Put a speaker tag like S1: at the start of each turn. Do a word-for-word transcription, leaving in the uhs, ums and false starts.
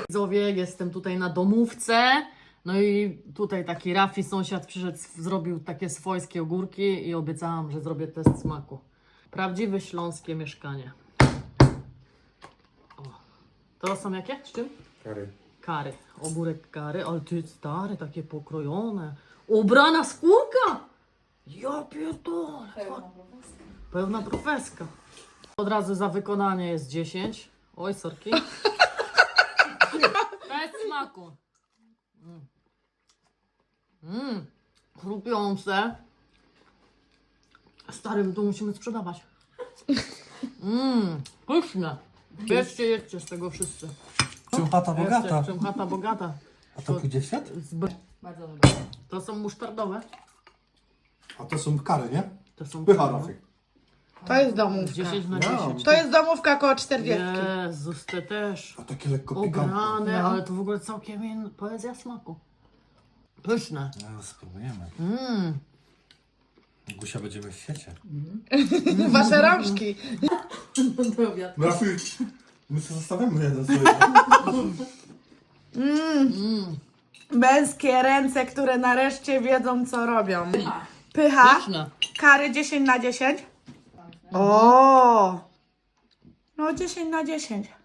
S1: Widzowie, jestem tutaj na domówce. No i tutaj taki Rafi, sąsiad przyszedł, zrobił takie swojskie ogórki i obiecałam, że zrobię test smaku. Prawdziwe śląskie mieszkanie. O. To są jakie? Z czym?
S2: Kary.
S1: Kary. Ogórek kary, ale ty stary, takie pokrojone. Ubrana skórka! Ja pierdolę. Pełna profeska. Od razu za wykonanie jest dziesięć. Oj, sorki. Bez smaku. Mm. Mm. Chrupiące. Starym tu musimy sprzedawać. Mmm, pyszne. Jedźcie, jedźcie z tego wszyscy.
S2: Czym chata bogata?
S1: Jeszcze, czym chata bogata.
S2: A to pójdzie w świat?
S1: Z b- Bardzo dobre. To są musztardowe.
S2: A to są kary, nie?
S1: To są
S2: Pycha,
S1: kary.
S2: Rafik.
S3: To jest domówka.
S1: dziesięć na
S2: Ja.
S1: dziesięć.
S3: To jest domówka koło czterdziestki.
S1: Jezus, te też.
S2: A takie lekko pikantne.
S1: Obrane,
S3: No.
S1: ale to w ogóle całkiem in... poezja smaku. Pyszne.
S2: No, spróbujemy.
S1: Mmm.
S2: Gusia będziemy w świecie.
S3: Wasze rączki.
S2: Rafik, my sobie zostawiamy jeden sobie.
S1: Mmm.
S3: Męskie ręce, które nareszcie wiedzą, co robią. Pycha.
S1: Pyszne.
S3: Kary dziesięć na dziesięć. O. No dziesięć na dziesięć.